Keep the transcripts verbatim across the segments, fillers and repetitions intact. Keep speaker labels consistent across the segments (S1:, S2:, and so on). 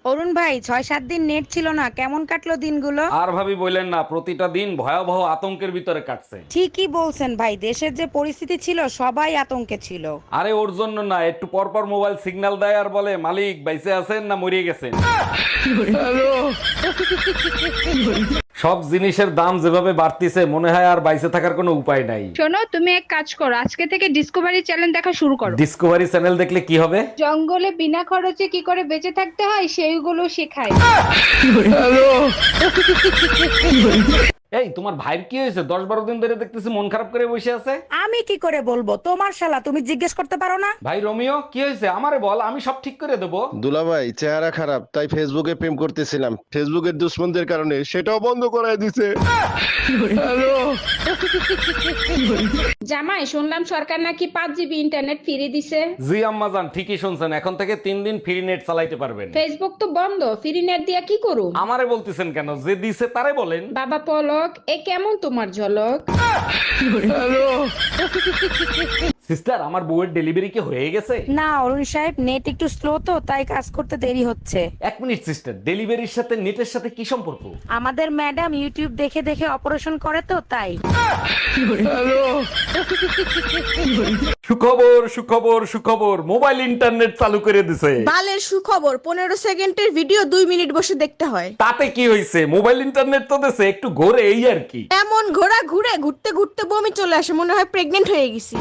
S1: অরুণ ভাই, ছয় সাত দিন নেট ছিল না, কেমন কাটলো দিনগুলো?
S2: আর ভাবি বললেন না, প্রতিটা দিন ভয়াবহ আতঙ্কের ভিতরে কাটছে।
S1: ঠিকই বলছেন ভাই, দেশের যে পরিস্থিতি ছিল সবাই আতঙ্কে ছিল।
S2: আরে ওর জন্য না, একটু পর পর মোবাইল সিগন্যাল দেয় আর বলে মালিক বাইসে আছেন না মরিয়ে গেছেন। সব জিনিসের দাম যেভাবে বাড়তিছে মনে হয় আর বাইসে থাকার কোনো উপায় নাই।
S3: শোনো, তুমি এক কাজ করো, আজকে থেকে ডিসকভারি চ্যানেল দেখা শুরু করো।
S2: ডিসকভারি চ্যানেল দেখলে কি হবে?
S3: জঙ্গলে বিনা খরচে কি করে বেঁচে থাকতে হয় সেইগুলো শেখায়।
S2: এই তোমার ভাইয়ের কি হয়েছে? দশ বারো দিন ধরে দেখতেছি মন খারাপ করে বসে আছে।
S1: আমি কি করে বলবো, তোমার শালা, তুমি জিজ্ঞেস করতে পারো না?
S2: ভাই রোমিও, কি হয়েছে আমারে বল, আমি সব ঠিক করে দেবো।
S4: দুলাভাই চেহারা খারাপ, তাই ফেসবুকে প্রেম করতেছিলাম, ফেসবুকের দুশ্মনদের কারণে সেটাও বন্ধ করায় দিছে।
S3: জামাই, শুনলাম সরকার নাকি পাঁচ জিবি ইন্টারনেট ফ্রি দিছে।
S2: জি আম্মাজান, ঠিকই শুনছেন, এখন থেকে তিন দিন ফ্রি নেট চালাইতে পারবেন।
S3: ফেসবুক তো বন্ধ, ফ্রি নেট দিয়া কি করু?
S2: আমারে বলতেছেন কেন? যে দিছে তারে বলেন।
S3: বাবা পলক, এ কেমন তোমার ঝলক?
S2: সিস্টার, আমার বউয়ের ডেলিভারি কি হয়ে গেছে?
S1: না অরুণ সাহেব, নেট একটু স্লো তো, তাই কাজ করতে দেরি হচ্ছে।
S2: এক মিনিট সিস্টার, ডেলিভারির সাথে নেটের সাথে কি সম্পর্ক?
S1: আমাদের ম্যাডাম ইউটিউব দেখে দেখে অপারেশন করে তো, তাই।
S2: সুখবর সুখবর সুখবর, মোবাইল ইন্টারনেট চালু করে দিছে।
S5: বালের সুখবর, পনেরো সেকেন্ডের ভিডিও দুই মিনিট বসে দেখতে হয়।
S2: তাতে কি হয়েছে? মোবাইল ইন্টারনেট তো দেশে একটু ঘোরে, এই আর কি।
S5: এমন ঘোড়া ঘুরে ঘুরতে ঘুরতে বমি চলে আসে, মনে হয় প্রেগনেন্ট হয়ে গেছি।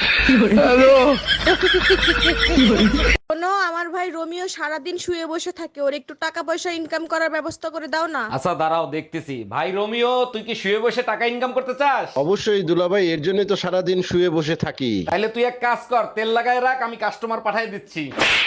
S5: শোনো, আমার ভাই রোমিও সারাদিন শুয়ে বসে থাকে, ওর একটু টাকা পয়সা ইনকাম করার ব্যবস্থা করে দাও না।
S2: আচ্ছা দাঁড়াও, দেখতেছি। ভাই রোমিও, তুই কি শুয়ে বসে টাকা ইনকাম করতে চাস?
S4: অবশ্যই দুলাভাই, এর জন্যই তো সারাদিন শুয়ে বসে থাকি।
S2: তাইলে তুই এক কাজ কর, তেল লাগায় রাখ, আমি কাস্টমার পাঠাই দিচ্ছি।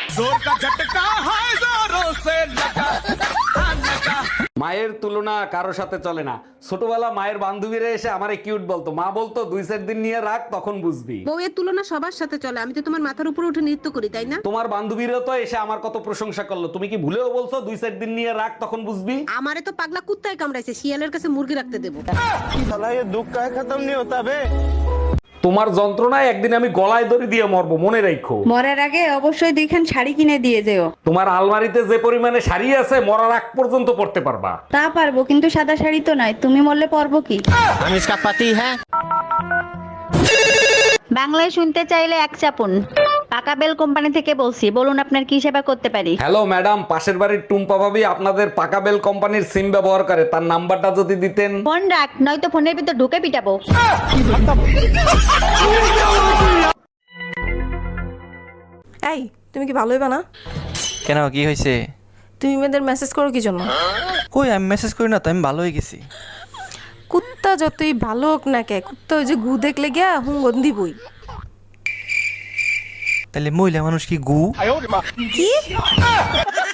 S2: মায়ের তুলনা কারো সাথে চলে না। ছোটবেলা মায়ের বান্ধবীরা এসে আমারে কিউট বলতো, মা বলতো দুই চার দিন নিয়ে রাখ, তখন বুঝবি।
S5: বউয়ের তুলনা সবার সাথে চলে, আমি তো তোমার মাথার উপরে উঠে নৃত্য করি, তাই না?
S2: তোমার বান্ধবীরা তো এসে আমার কত প্রশংসা করলো, তুমি কি ভুলেও বলছো দুই চার দিন নিয়ে রাখ, তখন বুঝবি।
S5: আমারে তো পাগলা কুত্তায় কামড়াইছে, শিয়ালের কাছে মুরগি রাখতে দেবো।
S2: তোমার যন্ত্রণায় একদিন আমি গলায় দড়ি দিয়ে মরবো, মনে রাখো।
S6: মরার আগে অবশ্যই দুইখান শাড়ি কিনে দিয়ে যেও।
S2: তোমার আলমারিতে যে পরিমাণে শাড়ি আছে, মরার আগ পর্যন্ত পড়তে পারবা।
S6: তা পারবো, কিন্তু সাদা শাড়ি তো নয়, তুমি মরলে পরবো কি?
S7: हम इसका पति है।
S6: বাংলায় শুনতে চাইলে এক চাপুন। পাকা বেল কোম্পানি থেকে বলছি, বলুন আপনার কি সেবা করতে পারি?
S2: হ্যালো ম্যাডাম, পাশের বাড়ির টুম্পা ভাবি আপনাদের পাকাবেল কোম্পানির সিম ব্যবহার করে, তার নাম্বারটা যদি দিতেন।
S6: ফোন রাখ, নয়তো ফোনের ভিতর ঢুকে পিটাবো।
S8: এই, তুমি কি ভালোই বানা?
S7: কেন, কি হয়েছে?
S8: তুমি মেয়েদের মেসেজ করো কি জন্য?
S7: কই, আমি মেসেজ করি না তো, আমি ভালো হয়ে গেছি।
S8: কুত্তা যতই ভালো হোক না কে, কুত্তা ওই যে গু দেখলে গিয়া হুঙ্গন দিবই।
S7: তাহলে মহিলা মানুষ কি গু?
S8: কি?